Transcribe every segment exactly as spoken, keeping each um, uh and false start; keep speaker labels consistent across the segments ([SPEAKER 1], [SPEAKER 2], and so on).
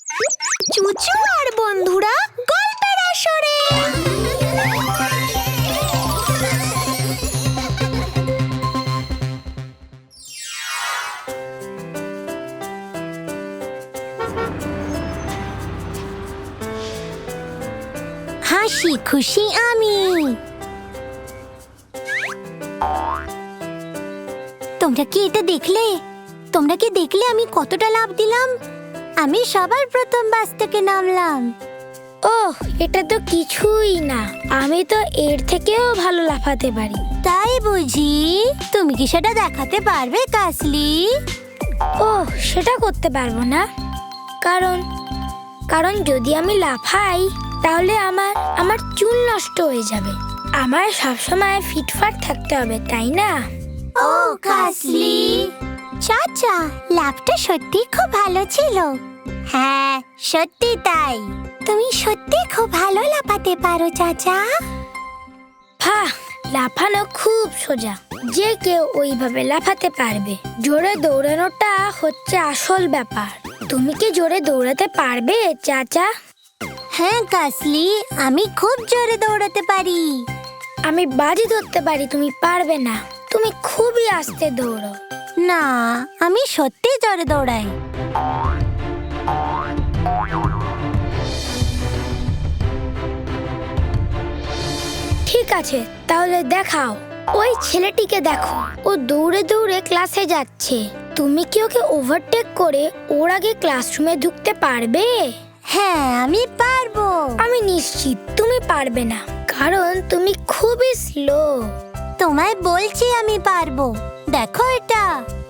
[SPEAKER 1] চুচু আর বন্ধুরা গল্পের আসরে। হাসি খুশি আমি। তোমরা কি এটা দেখলে? তোমরা কি দেখলে আমি কতটা লাভ দিলাম? আমি সবার প্রথম বাস থেকে নামলাম।
[SPEAKER 2] ওহ, এটা তো কিছুই না। আমি তো এর থেকেও ভালো লাফাতে পারি।
[SPEAKER 1] তাই বুঝি? তুমি কি সেটা দেখাতে পারবে কাসলি?
[SPEAKER 2] ওহ, সেটা করতে পারবো না। কারণ কারণ যদি আমি লাফাই তাহলে আমার আমার চুল নষ্ট হয়ে যাবে। আমার সবসময় ফিটফাট থাকতে হবে, তাই না?
[SPEAKER 1] ও কাসলি, চাচা লাভটা সত্যি খুব ভালো ছিল। হ্যাঁ, সত্যি তাই। তুমি সত্যি খুব ভালো লাফাতে পারো চাচা।
[SPEAKER 2] হ্যাঁ, লাফানো খুব সোজা। যে কেউ ওইভাবে লাফাতে পারবে। জোরে দৌড়ানোটা হচ্ছে আসল ব্যাপার। তুমি কি জোরে দৌড়াতে পারবে চাচা?
[SPEAKER 1] হ্যাঁ কাসলি, আমি খুব জোরে দৌড়াতে পারি।
[SPEAKER 2] আমি বাজি ধরতে পারি তুমি পারবে না। তুমি খুবই আস্তে দৌড়ো।
[SPEAKER 1] না, আমি সত্যি জোরে দৌড়াই।
[SPEAKER 2] ঠিক আছে, তাহলে দেখাও। ওই ছেলেটিকে দেখো, ও দৌড়ে দৌড়ে ক্লাসে যাচ্ছে। তুমি কি ওকে ওভারটেক করে ওর আগে ক্লাসরুমে ঢুকতে পারবে?
[SPEAKER 1] হ্যাঁ, আমি পারবো।
[SPEAKER 2] আমি নিশ্চিত তুমি পারবে না, কারণ তুমি খুবই স্লো।
[SPEAKER 1] তোমায় বলছি আমি পারবো। দেখো এটা।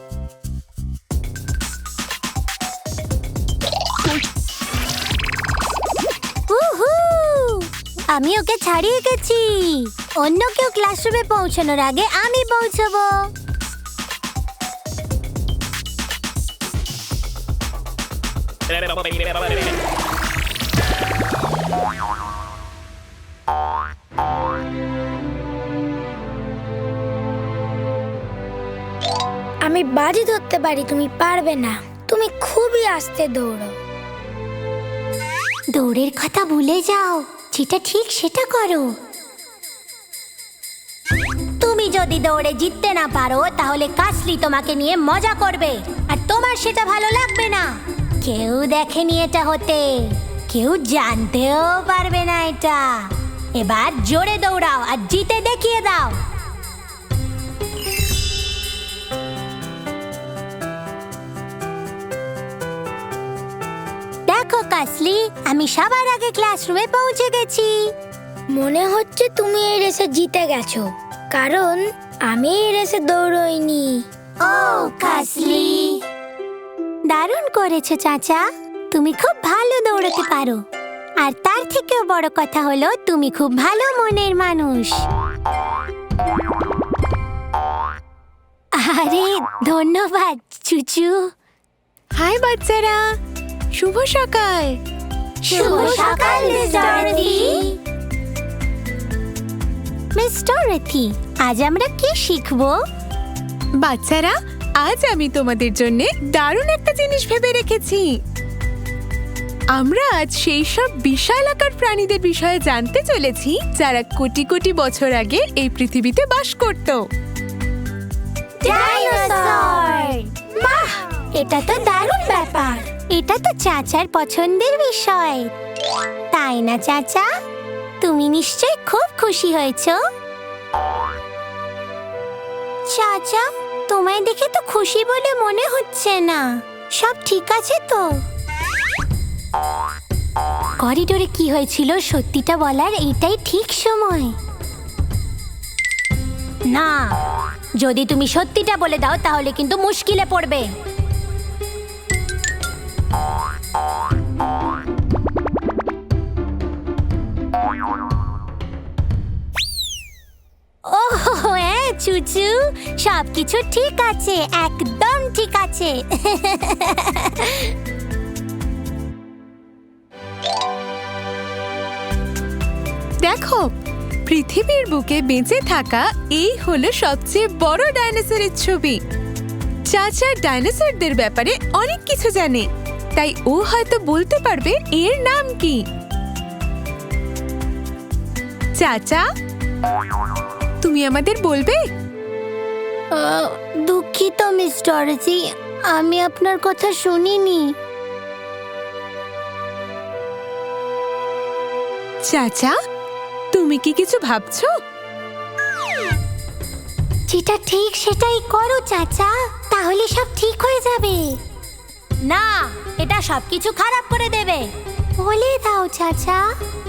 [SPEAKER 1] উহু! আমি ওকে ছাড়িয়ে গেছি। অন্য কেউ ক্লাসরুমে পৌঁছানোর আগে আমি পৌঁছাবো।
[SPEAKER 2] আমি বাজি ধরতে পারি তুমি পারবে না। তুমি খুবই আস্তে দৌড়ো।
[SPEAKER 1] দৌড়ের কথা ভুলে যাও, যেটা ঠিক সেটা করো। তুমি যদি দৌড়ে জিততে না পারো তাহলে কাসলি তোমাকে নিয়ে মজা করবে, আর তোমার সেটা ভালো লাগবে না। কেউ দেখেনি এটা হতে, কেউ জানতেও পারবে না এটা। এবার জোরে দৌড়াও আর জিতে দেখিয়ে দাও। দেখো কাসলি, আমি সবার আগে ক্লাসরুমে পৌঁছে গেছি।
[SPEAKER 2] মনে হচ্ছে তুমি এই রেসে জিতে গেছো, কারণ আমি এই রেসে দৌড়ইনি।
[SPEAKER 1] ও কাসলি, দারুণ করেছো চাচা। তুমি খুব ভালো দৌড়াতে পারো, আর তার থেকেও বড় কথা হলো তুমি খুব ভালো মনের মানুষ। আরে ধন্যবাদ চুচু।
[SPEAKER 3] হাই বাচ্চারা, শুভ সকাল।
[SPEAKER 1] শুভ সকাল মিস ডরথি। মিস ডরথি, আজ আমরা কি শিখবো?
[SPEAKER 3] বাচ্চারা, আজ আমি তোমাদের জন্য দারুণ একটা জিনিস ভেবে রেখেছি। আমরা আজ সেই সব বিশাল আকার প্রাণীদের বিষয়ে জানতে চলেছি যারা কোটি কোটি বছর আগে এই পৃথিবীতে বাস করত।
[SPEAKER 1] ডাইনোসর! বাহ, এটা তো দারুণ ব্যাপার। এটা তো চাচার পছন্দের বিষয়, তাই না চাচা? তুমি নিশ্চয় খুব খুশি হয়েছো। চাচা, তোমায় দেখে তো খুশি বলে মনে হচ্ছে না। সব ঠিক আছে তো? করিডোরে কি হয়েছিল সত্যিটা বলার এটাই ঠিক সময়। না, যদি তুমি সত্যিটা বলে দাও তাহলে কিন্তু মুশকিলে পড়বে। ওহ হ্যাঁ চুচু, সবকিছু ঠিক আছে, একদম ঠিক আছে।
[SPEAKER 3] দেখো, পৃথিবীর বুকে বেঁচে থাকা এই হলো সবচেয়ে বড় ডাইনোসরের ছবি। চাচা ডাইনোসরদের ব্যাপারে অনেক কিছু জানে, তাই ও হয়তো বলতে পারবে এর নাম কি। চাচা, তুমি আমাদের বলবে?
[SPEAKER 1] আহ, দুঃখিত মিস ডরোথি, আমি আপনার কথা শুনিনি।
[SPEAKER 3] চাচা, তুমি কি কিছু ভাবছো?
[SPEAKER 1] যেটা ঠিক সেটাই করো চাচা, তাহলে সব ঠিক হয়ে যাবে। না, এটা সবকিছু খারাপ করে দেবে। বলে দাও চাচা।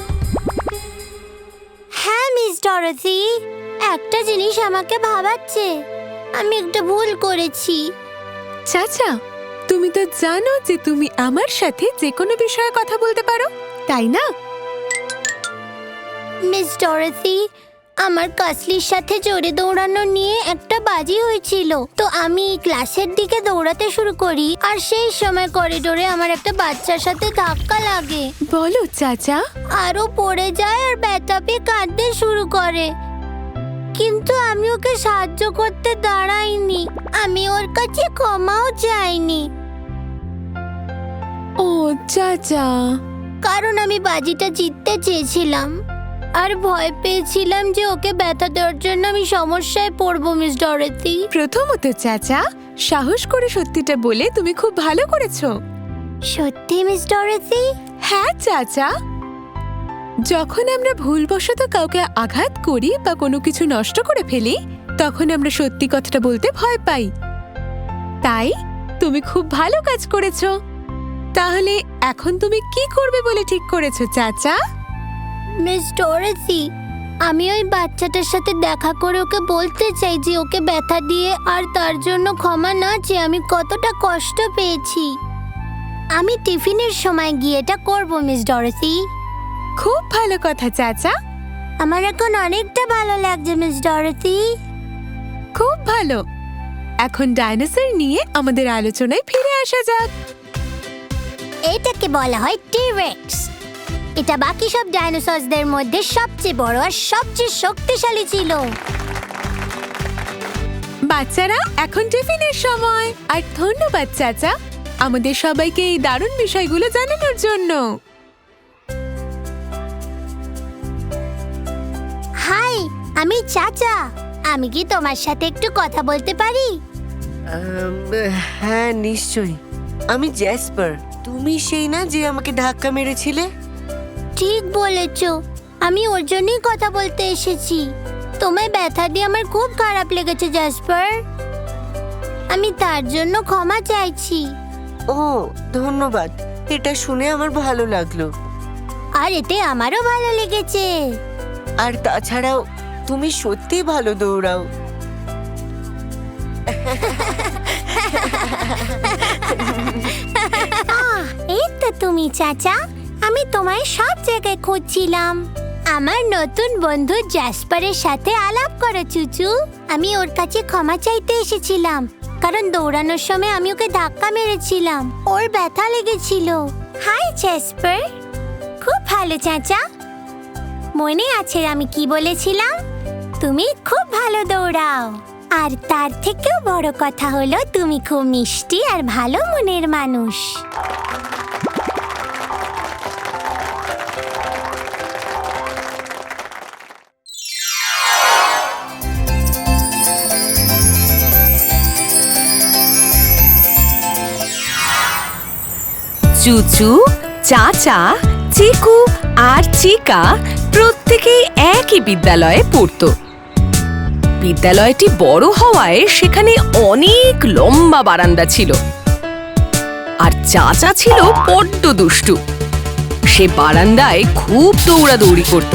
[SPEAKER 1] হ্যাঁ মিস ডরোথি, একটা জিনিস আমাকে ভাবাচ্ছে। আমি একটা ভুল করেছি।
[SPEAKER 3] চাচা, তুমি তো জানো যে তুমি আমার সাথে যে কোনো বিষয়ে কথা বলতে পারো, তাই না?
[SPEAKER 1] মিস ডরোথি, আমার কাসলির সাথে জোরে দৌড়ানো নিয়ে একটা বাজি হয়েছিল। তো আমি ক্লাসের দিকে দৌড়াতে শুরু করি, আর সেই সময় করিডোরে আমার একটা বাচ্চার সাথে ধাক্কা লাগে।
[SPEAKER 3] বলো চাচা।
[SPEAKER 1] আরও পড়ে যায় আর ব্যথা পেয়ে কাঁদতে শুরু করে। কিন্তু আমি ওকে সাহায্য করতে দাঁড়াইনি, আমি ওর কাছে ক্ষমাও চাইনি।
[SPEAKER 3] ও চাচা।
[SPEAKER 1] কারণ আমি বাজিটা জিততে চেয়েছিলাম আর ভয় পেয়েছিলাম যে ওকে ব্যথা দেওয়ার জন্য আমি সমস্যায় পড়বো মিস ডরোথি।
[SPEAKER 3] প্রথমত চাচা, সাহস করে সত্যিটা বলে তুমি খুব ভালো করেছো।
[SPEAKER 1] সত্যি মিস ডরোথি?
[SPEAKER 3] হ্যাঁ চাচা, যখন আমরা ভুলবশত কাউকে আঘাত করি বা কোনো কিছু নষ্ট করে ফেলি, তখন আমরা সত্যি কথাটা বলতে ভয় পাই। তাই তুমি খুব ভালো কাজ করেছো। তাহলে এখন তুমি কি করবে বলে ঠিক করেছো চাচা?
[SPEAKER 1] মিস ডরোথি, আমি ওই বাচ্চাটার সাথে দেখা করে ওকে বলতে চাই যে ওকে ব্যথা দিয়ে আর তার জন্য ক্ষমা না চেয়ে আমি কতটা কষ্ট পেয়েছি। আমি টিফিনের সময় গিয়ে এটা করবো মিস ডরোথি।
[SPEAKER 3] খুব ভালো কথা চাচা।
[SPEAKER 1] আমার এখন অনেকটা ভালো লাগছে মিস ডরোথি।
[SPEAKER 3] খুব ভালো। এখন ডাইনোসর নিয়ে আমাদের আলোচনায় ফিরে আসা যাক।
[SPEAKER 1] এটাকে বলা হয় টি-রেক্স। এটা বাকি সব ডাইনোসরদের মধ্যে সবচেয়ে বড় আর সবচেয়ে শক্তিশালী ছিল।
[SPEAKER 3] বাচ্চারা, এখন টিফিনের সময়। আর ধন্যবাদ চাচা আমাদের সবাইকে এই দারুণ বিষয়গুলো জানানোর জন্য।
[SPEAKER 1] হাই, আমি চাচা। আমি কি তোমার সাথে একটু কথা বলতে পারি?
[SPEAKER 4] আম, হ্যাঁ নিশ্চয়ই। আমি জ্যাসপার। তুমি সেই না যে আমাকে ধাক্কা মেরেছিলে?
[SPEAKER 1] ঠিক বলেছ, আমি ওর জন্যই কথা বলতে এসেছি। তোমায় ব্যথা দিয়ে আমার খুব খারাপ লেগেছে জ্যাসপার। আমি তার জন্য ক্ষমা চাইছি।
[SPEAKER 4] ও ধন্যবাদ, এটা শুনে আমার ভালো লাগলো।
[SPEAKER 1] আর এতে আমারও ভালো লেগেছে।
[SPEAKER 4] আর তাছাড়াও তুমি সত্যি ভালো দৌড়াও।
[SPEAKER 1] আহ, এই তো তুমি চাচা। আমি তোমায় সব জায়গায় খুঁজছিলাম। আমার নতুন বন্ধু জ্যাসপারের সাথে আলাপ করো চুচু। আমি ওর কাছে ক্ষমা চাইতে এসেছিলাম, কারণ দৌড়ানোর সময় আমি ওকে ধাক্কা মেরেছিলাম, ওর ব্যথা লেগেছিল। Hi Jasper. খুব ভালো চাচা। মনে আছে আমি কি বলেছিলাম? তুমি খুব ভালো দৌড়াও। আর তার থেকেও বড় কথা হলো তুমি খুব মিষ্টি আর ভালো মনের মানুষ।
[SPEAKER 5] চুচু, চাচা, চিকু আর চিকা প্রত্যেকেই একই বিদ্যালয়ে পড়তো। বিদ্যালয়টি বড় হওয়ায় সেখানে অনেক লম্বা বারান্দা ছিল। আর চাচা ছিল বড্ড দুষ্টু। সে বারান্দায় খুব দৌড়াদৌড়ি করত।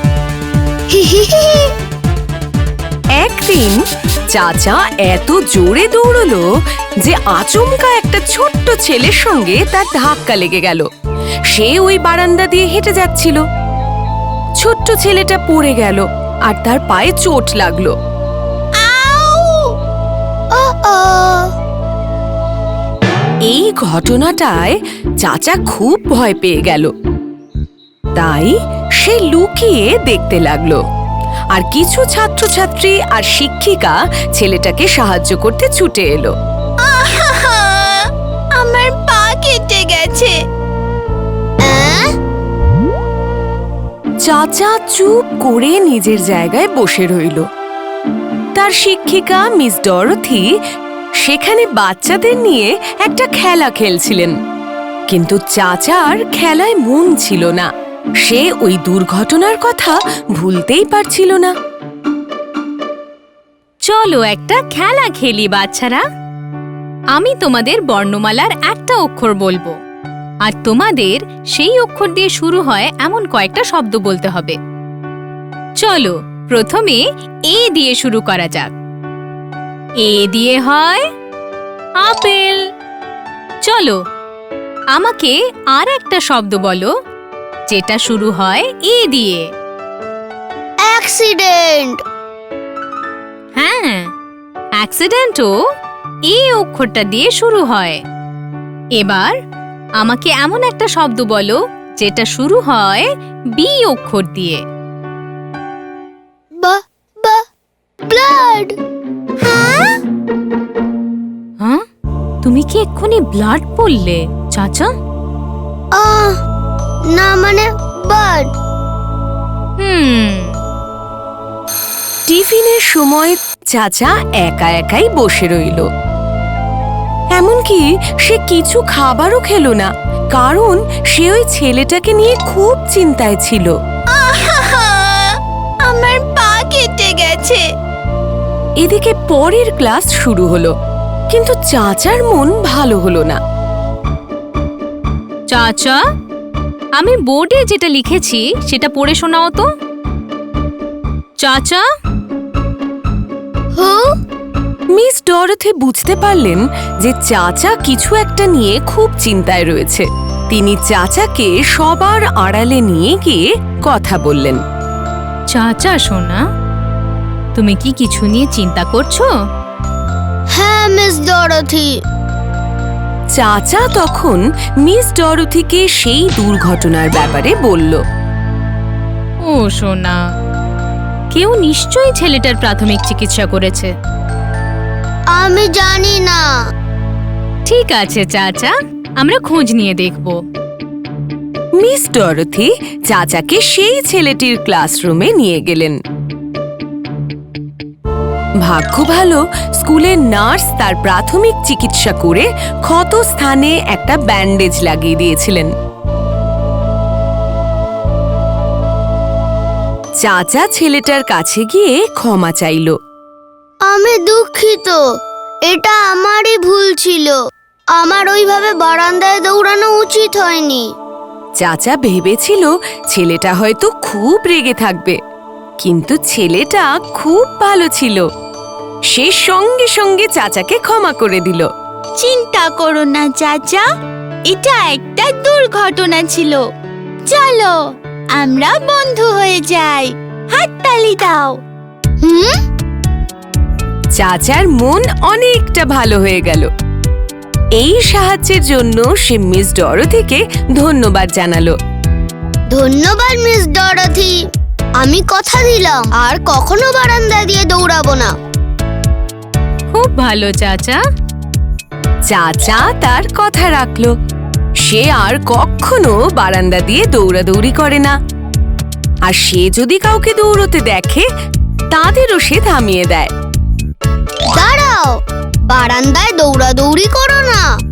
[SPEAKER 5] একদিন চাচা এত জোরে দৌড়লো যে আচমকা একটা ছোট্ট ছেলের সঙ্গে তার ধাক্কা লেগে গেল। সে ওই বারান্দা দিয়ে হেঁটে যাচ্ছিল। ছোট্ট ছেলেটা পড়ে গেল আর তার পায়ে চোট লাগলো। এই ঘটনাটায় চাচা খুব ভয় পেয়ে গেল। তাই সে লুকিয়ে দেখতে লাগলো। আর কিছু ছাত্রছাত্রী আর শিক্ষিকা ছেলেটাকে সাহায্য করতে ছুটে এলো।
[SPEAKER 2] আমার পা কেটে গেছে।
[SPEAKER 5] চাচা চুপ করে নিজের জায়গায় বসে রইল। তার শিক্ষিকা মিস ডরথি সেখানে বাচ্চাদের নিয়ে একটা খেলা খেলছিলেন, কিন্তু চাচার খেলায় মন ছিল না। সে ওই দুর্ঘটনার কথা ভুলতেই পারছিল না।
[SPEAKER 6] চলো একটা খেলা খেলি বাচ্চারা। আমি তোমাদের বর্ণমালার একটা অক্ষর বলবো, আর তোমাদের সেই অক্ষর দিয়ে শুরু হয় এমন কয়েকটা শব্দ বলতে হবে। চলো প্রথমে এ দিয়ে শুরু করা যাক। এ দিয়ে হয় আপেল। চলো আমাকে আর একটা শব্দ বলো যেটা শুরু হয় এ দিয়ে।
[SPEAKER 2] অ্যাক্সিডেন্ট।
[SPEAKER 6] হ্যাঁ, অ্যাক্সিডেন্টও এই অক্ষরটা দিয়ে শুরু হয়। এবার আমাকে এমন একটা শব্দ বলো যেটা শুরু হয় বি অক্ষর দিয়ে।
[SPEAKER 2] বা বা ব্লাড।
[SPEAKER 6] হ্যাঁ, তুমি কি এক্ষুনি ব্লাড বললে চাচা?
[SPEAKER 2] আহ না, মানে বার্ড।
[SPEAKER 6] হুম
[SPEAKER 5] টিফিনের সময় চাচা একা একাই বসে রইল। এমনকি সে কিছু খাবারও খেলো না, কারণ সে ওই ছেলেটাকে নিয়ে খুব চিন্তায় ছিল।
[SPEAKER 2] আমার পা কেটে গেছে।
[SPEAKER 5] এদিকে পরের ক্লাস শুরু হলো, কিন্তু চাচার মন ভালো হলো না।
[SPEAKER 6] চাচা, আমি বোর্ডে যেটা লিখেছি সেটা পড়ে শোনাও তো। চাচা।
[SPEAKER 2] হু?
[SPEAKER 5] মিস ডরথি বুঝতে পারলেন যে চাচা কিছু একটা নিয়ে খুব চিন্তায় রয়েছে। তিনি চাচাকে সবার আড়ালে নিয়ে গিয়ে কথা বললেন।
[SPEAKER 6] চাচা সোনা, তুমি কি কিছু নিয়ে চিন্তা করছো?
[SPEAKER 2] হ্যাঁ মিস ডরথি।
[SPEAKER 5] চাচা তখন মিস ডরথিকে সেই দুর্ঘটনার ব্যাপারে বলল।
[SPEAKER 6] ও সোনা, কেউ নিশ্চয়ই ছেলেটার প্রাথমিক চিকিৎসা করেছে।
[SPEAKER 2] আমি জানি না।
[SPEAKER 6] ঠিক আছে চাচা, আমরা খোঁজ নিয়ে দেখব।
[SPEAKER 5] মিস ডরথি চাচাকে সেই ছেলেটির ক্লাসরুমে নিয়ে গেলেন। ভাগ্য ভালো, স্কুলের নার্স তার প্রাথমিক চিকিৎসা করে ক্ষত স্থানে একটা ব্যান্ডেজ লাগিয়ে দিয়েছিলেন। চাচা ছেলেটার কাছে গিয়ে ক্ষমা চাইল।
[SPEAKER 2] আমি দুঃখিত, এটা আমারই ভুল ছিল। আমার ওইভাবে বারান্দায় দৌড়ানো উচিত হয়নি।
[SPEAKER 5] চাচা ভেবেছিল ছেলেটা হয়তো খুব রেগে থাকবে, কিন্তু ছেলেটা খুব ভালো ছিল। সে সঙ্গে সঙ্গে চাচাকে ক্ষমা করে দিল।
[SPEAKER 2] চিন্তা করো না চাচা, এটা একটা দুর্ঘটনা ছিল। চলো আমরা বন্ধু হয়ে যাই। হাততালি দাও। হুম?
[SPEAKER 5] চাচার মন অনেকটা ভালো হয়ে গেল। এই সাহায্যের জন্য সে মিস ডরথিকে ধন্যবাদ জানালো।
[SPEAKER 2] ধন্যবাদ মিস ডরথি। আমি কথা দিলাম আর কখনো বারান্দা দিয়ে দৌড়াবো না।
[SPEAKER 6] খুব ভালো চাচা।
[SPEAKER 5] চাচা তার কথা রাখলো। সে আর কখনো বারান্দা দিয়ে দৌড়াদৌড়ি করে না। আর সে যদি কাউকে দৌড়তে দেখে, তাদেরও সে থামিয়ে দেয়।
[SPEAKER 2] দাঁড়াও, বারান্দায় দৌড়াদৌড়ি করো না।